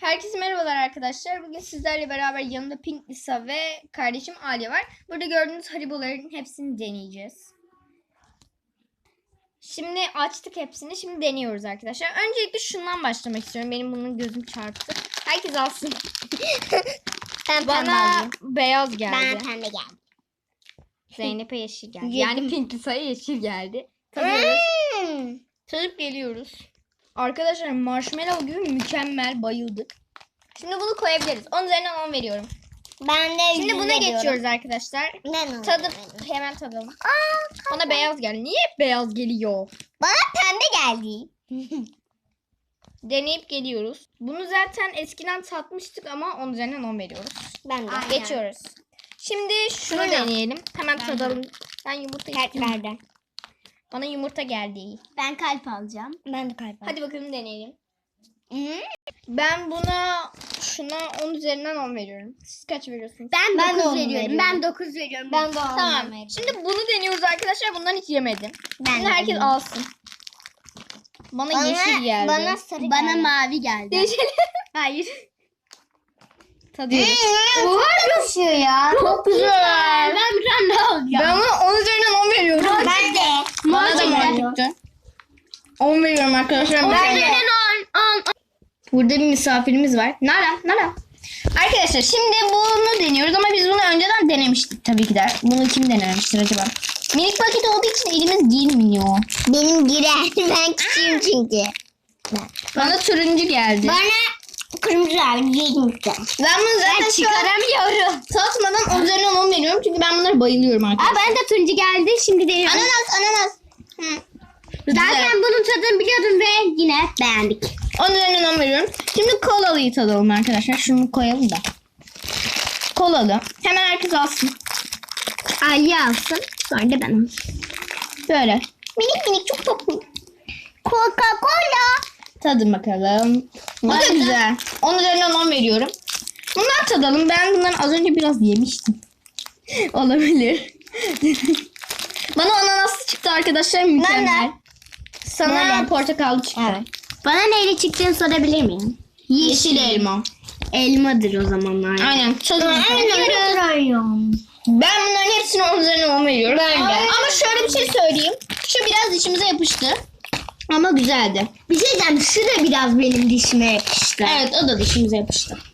Herkese merhabalar arkadaşlar. Bugün sizlerle beraber yanımda Pink Lisa ve kardeşim Alya var. Burada gördüğünüz hariboların hepsini deneyeceğiz. Şimdi açtık hepsini. Şimdi deniyoruz arkadaşlar. Öncelikle şundan başlamak istiyorum. Benim bunun gözüm çarptı. Herkes alsın. Bana beyaz geldi. Bana pembe geldi. Zeynep'e yeşil geldi. Yani Pink Lisa'ya yeşil geldi. Tadıyoruz. Tadıp geliyoruz. Arkadaşlar marshmallow gibi mükemmel, bayıldık. Şimdi bunu koyabiliriz. 10 üzerinden 10 veriyorum. Ben de Şimdi buna geçiyoruz arkadaşlar. Tadıp hemen tadalım. Bana beyaz geldi. Niye hep beyaz geliyor? Bana pembe geldi. Deneyip geliyoruz. Bunu zaten eskiden tatmıştık ama 10 üzerinden 10 veriyoruz. Ben de. Geçiyoruz. Şimdi şunu Bunu. deneyelim. Hemen tadalım. Ben yumurta istiyorum. Kalplerden. Bana yumurta geldi. Ben kalp alacağım. Ben de kalp alacağım. Hadi bakalım deneyelim. Ben şuna 10 üzerinden 10 veriyorum. Siz kaç veriyorsunuz? Ben 9 veriyorum. Ben 9 veriyorum. Ben de Tamam. Şimdi bunu deniyoruz arkadaşlar. Bundan hiç yemedim. Ben Şimdi de herkes yemedim. alsın. Bana yeşil geldi. Bana sarı bana mavi geldi. Yeşil. Hayır. Tadıyoruz. Oha yakışıyor ya. Çok güzel. Ben bir tane daha alacağım. Ben ona 10 üzerinden 10 veriyorum. Ben de. Bana da mor çıktı. 10 veriyorum arkadaşlar. 10 Ben de. üzerinden 10. Burada bir misafirimiz var. Nara. Arkadaşlar şimdi bunu deniyoruz ama biz bunu önceden denemiştik tabii ki de. Bunu kim denemiştir acaba? Minik paket olduğu için elimiz girmiyor. Benim girer. Ben küçüğüm çünkü. Bana turuncu geldi. Bana kırmızı geldi. Ben bunu zaten çıkaramıyorum. tatmadan 10 üzerinden 10 veriyorum. Çünkü ben bunlara bayılıyorum arkadaşlar. Ben de turuncu geldi. Şimdi deniyorum. Ananas. Zaten bunun tadını biliyordum ve yine beğendik. 10 üzerinden 10 veriyorum. Şimdi kolalıyı tadalım arkadaşlar. Şunu koyalım da. Kolalı. Hemen herkes alsın. Aliye alsın. Sonra da ben alsın. Böyle. Minik çok tatlı. Coca-Cola. Tadın bakalım. Bu da güzel. 10 üzerinden 10 veriyorum. Bundan tadalım. Ben bunları az önce biraz yemiştim. Olabilir. Bana ananaslı çıktı arkadaşlar. Mükemmel. Sana Böyle. portakallı çıktı. Evet. Bana neyle çıktığını sorabilir miyim? Yeşil elma. Elmadır o zamanlar. Aynen. Tadın bakalım. Ben bunların hepsine 10 üzerinden 10 veriyorum. Ben de. Ama şöyle bir şey söyleyeyim. Şu biraz dişimize yapıştı. Ama güzeldi. Bir şey diyeceğim. Şu da biraz benim dişime yakıştı. Evet, o da dişimize yapıştı.